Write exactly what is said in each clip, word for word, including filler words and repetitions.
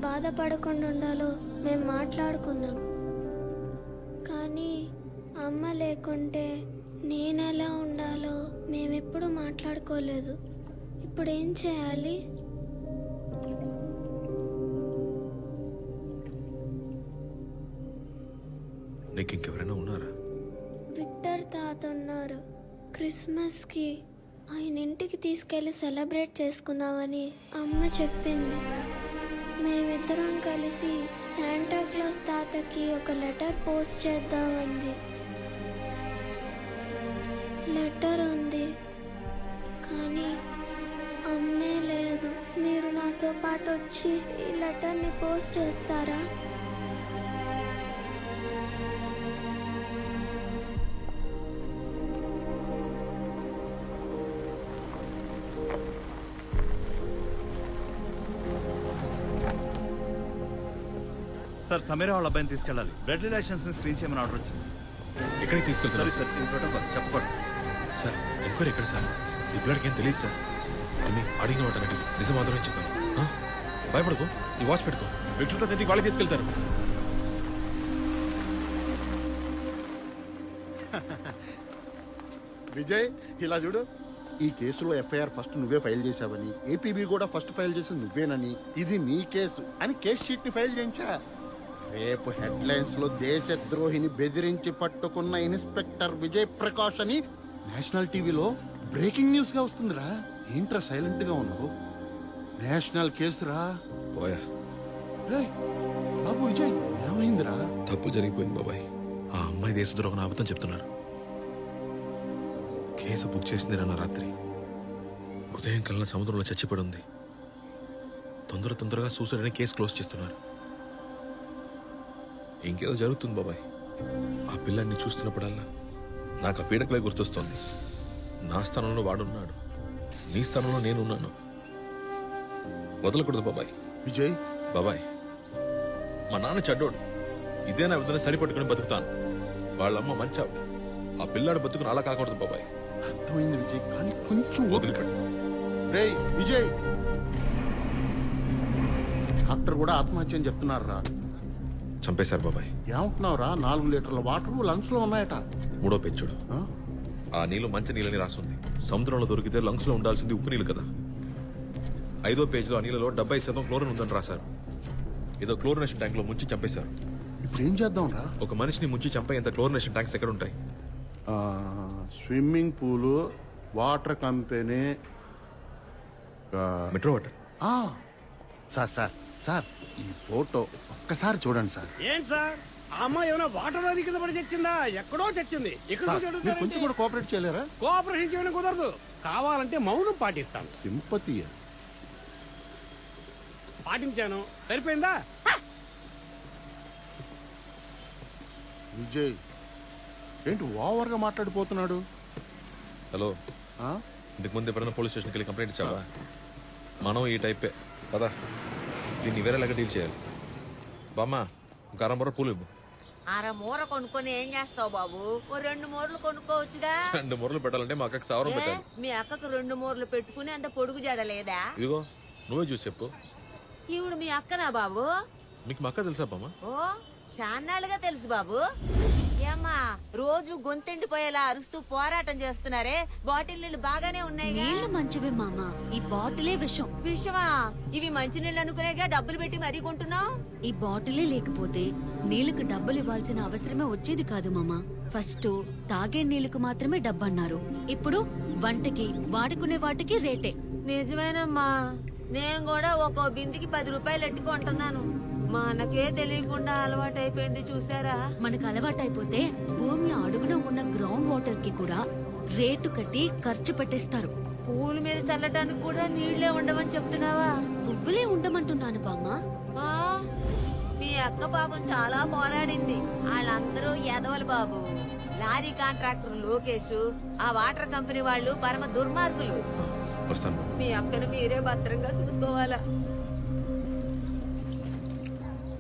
బాధపడకుండా ఉండాలో మేము మాట్లాడుకున్నాం. కానీ అమ్మ లేకుంటే నేనెలా ఉండాలో మేమెప్పుడు మాట్లాడుకోలేదు. ఇప్పుడు ఏం చేయాలి? నీకు ఇంకెవరైనా ఉన్నారా? విక్టర్ తాత ఉన్నారు. క్రిస్మస్కి ఆయన ఇంటికి తీసుకెళ్ళి సెలబ్రేట్ చేసుకుందామని అమ్మ చెప్పింది. మేమిద్దరం కలిసి శాంటా క్లాస్ తాతకి ఒక లెటర్ పోస్ట్ చేద్దామంది. లెటర్ ఉంది కానీ అమ్మే లేదు. మీరు నాతో పాటు వచ్చి ఈ లెటర్ని పోస్ట్ చేస్తారా? సార్, సమీరా వాళ్ళ అబ్బాయిని తీసుకెళ్ళాలి. బ్లడ్ రిలేషన్స్ ని స్క్రీన్ చేయమని ఆర్డర్ వచ్చింది. ఎక్కడికి తీసుకెళ్తారు? సార్ ఇది ప్రోటోకాల్, చెప్పకూడదు. సార్ ఎంక్వైరీ ఎక్కడ సార్? ఈ పిల్లడికి ఏం తెలియదు సార్. అన్ని అడిగిన వాటన్నిటి నిజం మాత్రమే చెప్పాను. ఆ? భయపడకు, ఈ వాచ్ పెట్టుకో. వ్యక్తులతో తింటికి వాళ్ళకి తీసుకెళ్తారు. విజయ్, ఇలా చూడు. ఈ కేసులో ఎఫ్ఐఆర్ ఫస్ట్ నువ్వే ఫైల్ చేశావని, ఏపీబీ కూడా ఫస్ట్ ఫైల్ చేసింది నువ్వేనని, ఇది నీ కేసు అని కేసు షీట్ ని ఫైల్ చేయించా. రేపు హెడ్ లైన్స్ లో దేశద్రోహిని బెదిరించి పట్టుకున్న ఇన్స్పెక్టర్ విజయ్ ప్రకాష్ అని నేషనల్ టీవీలో బ్రేకింగ్ న్యూస్ గా వస్తుందిరా. ఏంట్రా సైలెంట్ గా ఉన్నావు? నేషనల్ కేసురా. పోయా రేయ్ బాబు విజయ్, ఏమైందిరా? తప్పు జరిగిపోయింది బాబాయ్. ఆ అమ్మాయి దేశద్రోహం అబద్ధం చెప్తున్నారు. కేసు బుక్ చేసింది నిన్న రాత్రి. ఉదయం కల్లా సముద్రంలో చచ్చిపడి ఉంది. తొందర తొందరగా సూసైడ్ అని కేసు క్లోజ్ చేస్తున్నారు. ఇంకేదో జరుగుతుంది బాబాయ్. ఆ పిల్లాన్ని చూస్తున్నప్పుడల్లా నాకు ఆ పీడకలే గుర్తొస్తోంది. నా స్థానంలో వాడున్నాడు, నీ స్థానంలో నేనున్నాను. వదలకూడదు బాబాయ్. విజయ్ బాబాయ్, మా నాన్న చెడ్డోడు. ఇదే నా విధంగా సరిపట్టుకుని బతుకుతాను. వాళ్ళమ్మ మంచి ఆవిడ. ఆ పిల్లాడు బతుకుని అలా కాకూడదు బాబాయ్. అర్థమైంది విజయ్, కానీ కొంచెం వదిలికట్టు. రేయ్ విజయ్, డాక్టర్ కూడా ఆత్మహత్య అని చెప్తున్నారా? చంపేశారు బాబాయ్. ఏమంటున్నావురా? నాలుగు లీటర్ల వాటర్ లంగ్స్ లో ఉన్నాయట. మూడో పెంచుడు. ఆ? ఆ నీళ్లు మంచి నీళ్ళని రాస్తుంది. సముద్రంలో దొరికితే లంగ్స్ లో ఉండాల్సింది ఉప్పు నీళ్ళు కదా. ఐదో పేజీలో ఆ నీళ్ళలో డెబ్బై శాతం క్లోరిన్ ఉందని రాశారు. ఏదో క్లోరినేషన్ ట్యాంక్ లో ముంచి చంపేశారు. ఇప్పుడు ఏం చేద్దాం రా? ఒక మనిషిని ముంచి చంపేంత క్లోరినేషన్ ట్యాంక్స్ ఎక్కడ ఉంటాయి? Swimming pool, water company, metro water. Sir sir sir ఈ ఫోటో ఒక్కసారి చూడండి సార్. ఏంటి సార్, ఆ అమ్మాయి ఏమైనా వాటర్ అది కింద పడి చచ్చిందా? ఎక్కడో చచ్చింది. ఇక్కడ సార్, మీరు కొంచెం కూడా కోఆపరేట్ చేయలేరా? కోఆపరేషన్ చేయడం కుదరదు. కావాలంటే మౌనం పాటిస్తాను. సింపతి పాటించాను, సరిపోయిందా? విజయ్ ఏంటి ఓవర్ గా మాట్లాడిపోతున్నాడు? హలో, ఆ? ఇంతకు ముందు ఎప్పుడైనా పోలీస్ స్టేషన్కి వెళ్ళి కంప్లైంట్ ఇచ్చావా? మనం ఈ టైపే పదా. దీన్ని వేరేలాగా డీల్ చేయాలి. బామ్మ, ఒక అరమూర పూలు ఇవ్వు. అర మూర కొనుక్కొని ఏం చేస్తావు బాబు? ఓ రెండు మూరలు కొనుక్కోవచ్చుగా. రెండు మూరలు పెట్టాలంటే మా అక్కకి సావరం ఏ, పెట్టాలి. మీ అక్కకు రెండు మూరలు పెట్టుకుని అంత పొడుగు జడలేదా? ఇదిగో నువ్వే చూసి చెప్పు. ఈవిడ మీ అక్కనా బాబు? మీకు మా అక్క తెలుసా బామ్మ? ఓ చాన్నాళ్ళుగా తెలుసు బాబు. ఏమ్మా, రోజు గొంతెండిపోయేలా అరుస్తూ పోరాటం చేస్తున్నారే, బాటిల్ నీళ్లు బాగానే ఉన్నాయి. నీళ్లు మంచివే మామ, ఈ బాటిలే విషం. విషమా? ఇవి మంచి నీళ్ళు అనుకునేగా డబ్బులు పెట్టి మరీ కొంటున్నావు. ఈ బాటిలే లేకపోతే నీళ్లకు డబ్బులు ఇవ్వాల్సిన అవసరమే వచ్చేది కాదు మామ. ఫస్ట్ తాగే నీళ్లకు మాత్రమే డబ్బన్నారు. ఇప్పుడు వంటకి వాడుకునే వాటికి రేటే. నిజమేనమ్మా, నేను కూడా ఒక్కో బిందికి పది రూపాయలు ఎట్టుకుంటున్నాను. మా అన్నకే తెలియకుండా అలవాటు అయిపోయింది చూసారా. మనకు అలవాటైపోతే భూమి అడుగున ఉన్న గ్రౌండ్ వాటర్ కి కూడా రేటు కట్టి ఖర్చు పెట్టేస్తారు. పూల మీద చల్లటానికి కూడా నీళ్లే ఉండమని చెప్తున్నావా? పువ్వులే ఉండమంటున్నాను బామ్మ. ఆ, మీ అక్క పాపం చాలా పోరాడింది. వాళ్ళందరూ ఎదవలు బాబు. లారీ కాంట్రాక్టర్ లోకేష్, ఆ వాటర్ కంపెనీ వాళ్ళు పరమ దుర్మార్గులు. వస్తాను. మీ అక్కను మీరే భద్రంగా చూసుకోవాలా.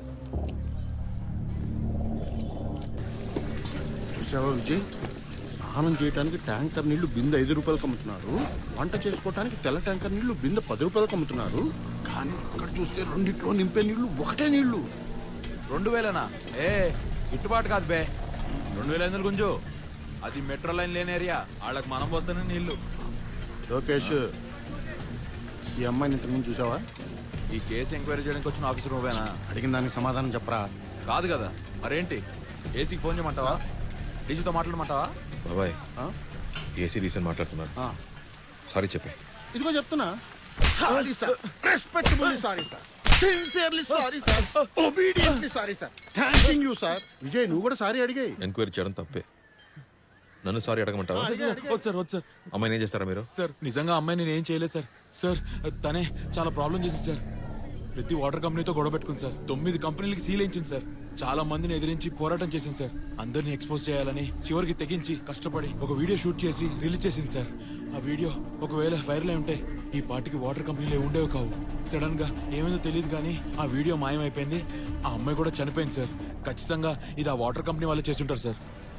చూసావా విజయ్, స్నానం చేయడానికి ట్యాంకర్ నీళ్లు బిందె ఐదు రూపాయలకు అమ్ముతున్నారు, వంట చేసుకోవడానికి తెల్ల ట్యాంకర్ నీళ్లు బిందె పది రూపాయలకు అమ్ముతున్నారు. కానీ ఇక్కడ చూస్తే రెండిట్లో నింపే నీళ్లు ఒకటే నీళ్లు. రెండు వేలనా? ఏ గిట్టుబాటు కాదు బే. రెండు వేల ఐదు గుంజు, అది మెట్రో లైన్ లేని ఏరియా. వాళ్ళకి మనం పోతానే నీళ్లు. లోకేష్, ఈ అమ్మాయిని ఇంతకుముందు చూసావా? ఈ కేసు ఎంక్వైరీ చేయడానికి వచ్చిన ఆఫీసర్ నువ్వేనా? అడిగిన దానికి సమాధానం చెప్పరా. కాదు కదా, మరేంటి? ఏసీకి ఫోన్ చేయమంటావా? డీజీతో మాట్లాడమంటావా? బాబాయ్ ఆ? ఏసీ డీసెంట్ మాట్లాడుతున్నారు. ఆ, సారీ చెప్పే. ఇదిగో చెప్తున్నా. Sorry sir, respectfully sorry sir, sincerely sorry sir, obediently sorry sir, thanking you sir. Vijay, నువ్వు కూడా సారీ అడిగాయి. ఎంక్వైరీ చేయడం తప్పే. నన్ను సారీ అడగమంటావా? వద్దు సార్, వద్దు సార్. అమ్మాయిని ఏం చేస్తారా మీరు? సార్ నిజంగా అమ్మాయి నేను ఏం చేయలేదు సార్. సార్ తనే చాలా ప్రాబ్లం చేసింది సార్. ప్రతి వాటర్ కంపెనీతో గొడవ పెట్టుకుంది సార్. తొమ్మిది కంపెనీలకి సీల్ ఇచ్చింది సార్. చాలా మందిని ఎదిరించి పోరాటం చేసింది సార్. అందరిని ఎక్స్పోజ్ చేయాలని చివరికి తెగించి కష్టపడి ఒక వీడియో షూట్ చేసి రిలీజ్ చేసింది సార్. ఆ వీడియో ఒకవేళ వైరల్ అయి ఉంటే ఈ పార్టీకి వాటర్ కంపెనీలు ఉండేవి కావు. సడన్ గా ఏమైందో తెలియదు కానీ ఆ వీడియో మాయమైపోయింది. ఆ అమ్మాయి కూడా చనిపోయింది సార్. ఖచ్చితంగా ఇది ఆ వాటర్ కంపెనీ వాళ్ళే చేస్తుంటారు సార్.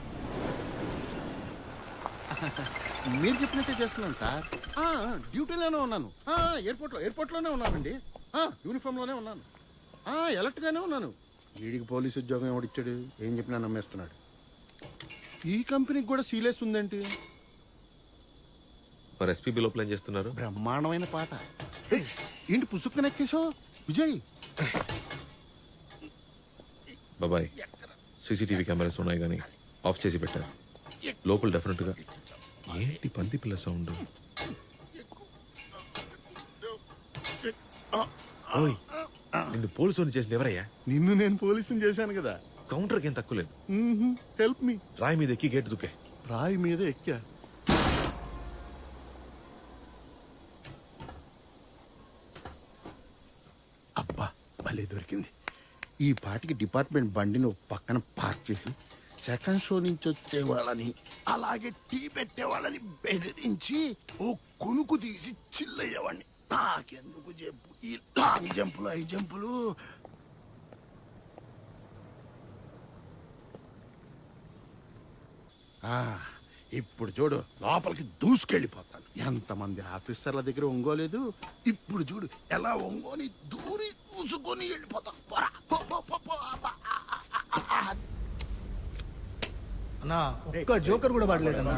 మీరు చెప్పినట్టే చేస్తున్నాను సార్. ఆ, డ్యూటీలోనే ఉన్నాను. ఆ, ఎయిర్పోర్ట్లో ఎయిర్పోర్ట్లోనే ఉన్నానండి. ఆ, యూనిఫామ్లోనే ఉన్నాను. ఆ, ఎలర్ట్గానే ఉన్నాను. వీడికి పోలీసు ఉద్యోగం ఎవడిచ్చాడు? ఏం చెప్పినా నమ్మేస్తున్నాడు. ఈ కంపెనీకి కూడా సీలేస్ ఉందేంటి? మరి ఎస్పీబీ లోపల ఏం చేస్తున్నారు? బ్రహ్మాండమైన పాట. ఏయ్, ఏంటి పుసుక్కున ఎక్కేశావు విజయ్? బాబాయ్ సీసీటీవీ కెమెరాస్ ఉన్నాయి కానీ ఆఫ్ చేసి పెట్టారు. లోపల డెఫినెట్ గా ఏంటి పంది పిల్ల సౌండ్? ఓయ్, నిన్ను పోలీసు చేసింది ఎవరయ్యా? నిన్ను నేను పోలీసుని చేశాను కదా. కౌంటర్కి ఏం తక్కువ లేదు. Help me. రాయి మీద ఎక్కి గేట్ దుకే. రాయి మీద ఎక్కా. అబ్బా, భలే దొరికింది. ఈ పాటికి డిపార్ట్మెంట్ బండిని ఒక పక్కన పార్క్ చేసి సెకండ్ షో నుంచి వచ్చే వాళ్ళని అలాగే టీ పెట్టే వాళ్ళని బెదిరించి ఓ కొనుకు తీసి చిల్లయ్యేవాడిని. నాకెందుకు చెప్పు ఈ లాంగ్ జంపులు ఐ జంపులు. ఆ, ఇప్పుడు చూడు, లోపలికి దూసుకెళ్ళిపోతాను. ఎంతమంది ఆఫీసర్ల దగ్గర ఒంగోలేదు. ఇప్పుడు చూడు ఎలా ఒంగోని దూరి దూసుకొని వెళ్ళిపోతాను. పోరా, పో, పో, పో, పో. అబ్బా, ఆ, ఆ, ఆ, ఆ. అన్నా ఒక్క జోకర్ కూడా పడలేదన్నా.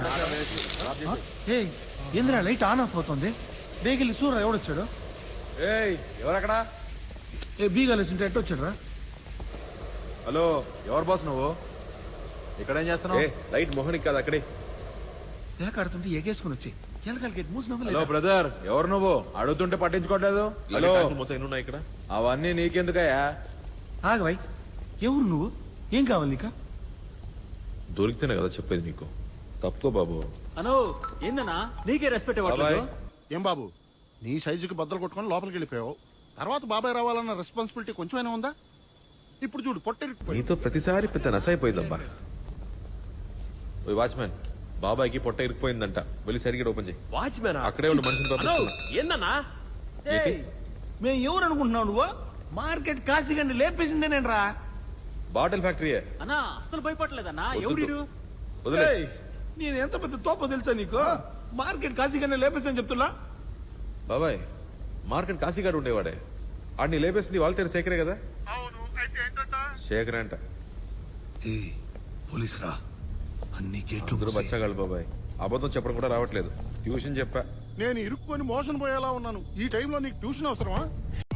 ఏంద్రా లైట్ ఆన్ ఆఫ్ అవుతుంది? బేగిలి సూర్య ఎవడొచ్చాడు? ఏయ్ ఎవరక్కడ? ఏ బీగాలేసి ఉంటే ఎట్టు వచ్చాడు రా? హలో, ఎవరు బాస్ నువ్వు? ఇక్కడ ఏం చేస్తున్నావు? లైట్ మోహనికి కాదు అక్కడే. దేకాడుతుంటే ఎగేసుకుని వచ్చి ఎలకల గేట్ మూసి హలో నవ్వలేదు. బ్రదర్, ఎవరు నువ్వు? అడుగుతుంటే పట్టించుకోవట్లేదు. హలో, మొత్తం ఎన్ని ఉన్నాయి ఇక్కడ? అవన్నీ నీకెందుకయ్యా? ఆగవాయ్, ఎవరు నువ్వు? ఏం కావాలి నీకా? దొరికితేనే కదా చెప్పేది నీకు. తప్పుకో బాబు. అను ఏందన్నా నీకే రెస్పెక్ట్ బాబాయ్ ఏం బాబు, నీ సైజుకి బద్దలు కొట్టుకొని లోపలికి వెళ్ళిపోయావు. తర్వాత బాబాయ్ రావాలన్న రెస్పాన్సిబిలిటీ కొంచెమైనా ఉందా? ఇప్పుడు చూడు పొట్టెరిపోయి. నీతో ప్రతిసారి పెద్ద నసైపోయిందబ్బా. ఓయ్ వాచ్మెన్, బాబాయ్కి పొట్ట ఇరికిపోయిందంట. వెళ్ళి సరిగ్గా ఓపెన్ చేయి. వాచ్మెన్ అక్కడే ఉండి మనిషిని పంపిస్తున్నా. ఏందన్నా? ఏంటి? మేము ఎవరు అనుకుంటున్నావు నువ్వు? మార్కెట్ కాశీగండి లేపేసిందే నేను రా. బాటిల్ ఫ్యాక్టరీయే. అన్నా అస్సలు భయపడలేదన్నా. వద్దు. ఎవడు వదిలే. ఏయ్, నేను ఎంత పెద్ద తోపో తెలుసా నీకు? మార్కెట్ కాశీగండి లేపేసని చెప్తున్నా. బాబాయ్ మార్కెట్ కాశీగాడు ఉండేవాడే. ఆడిని లేపేసింది వాళ్ళ తీరు శేఖరే కదా? శేఖరే అంట. పోలీస్ రా, అన్ని గేట్లు అందరూ బచ్చాగాళ్ళు బాబాయ్. అబద్ధం చెప్పడం కూడా రావట్లేదు. ట్యూషన్ చెప్పా. నేను ఇరుక్కొని మోషన్ పోయేలా ఉన్నాను. ఈ టైంలో నీకు ట్యూషన్ అవసరమా?